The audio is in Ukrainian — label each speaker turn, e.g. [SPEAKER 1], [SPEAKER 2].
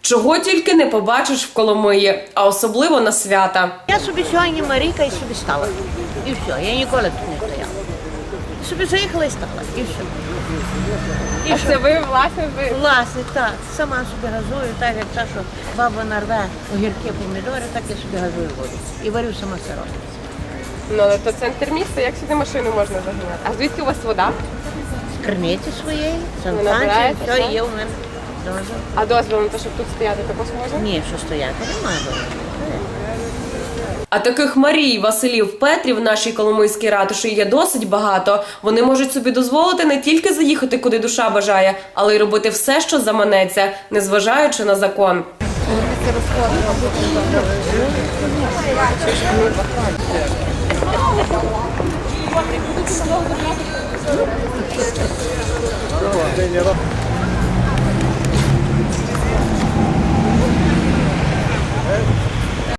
[SPEAKER 1] Чого тільки не побачиш в Коломиї, а особливо на свята.
[SPEAKER 2] Я собі сьогодні Марійка і собі стала. І все, я ніколи тут не стояла. Собі заїхала і стала, і все. І
[SPEAKER 3] А це ви, власне,
[SPEAKER 2] Власне, так. Сама собі газую, так як та, що баба нарве огірки, помідори, так я собі газую воду. І варю сама сироп.
[SPEAKER 3] Ну, але то центр міста, як сюди машину можна заганяти? А звідки у вас вода?
[SPEAKER 2] З криниці своєї, санстанції,
[SPEAKER 3] набираєте,
[SPEAKER 2] все
[SPEAKER 3] так?
[SPEAKER 2] є у мене. Дозвіл.
[SPEAKER 3] А дозвіл на те, щоб тут стояти, також можна?
[SPEAKER 2] Ні, що стояти, немає дозволу.
[SPEAKER 1] А таких Марій, Василів, Петрів в нашій Коломийській ратуші є досить багато. Вони можуть собі дозволити не тільки заїхати, куди душа бажає, але й робити все, що заманеться, незважаючи на закон.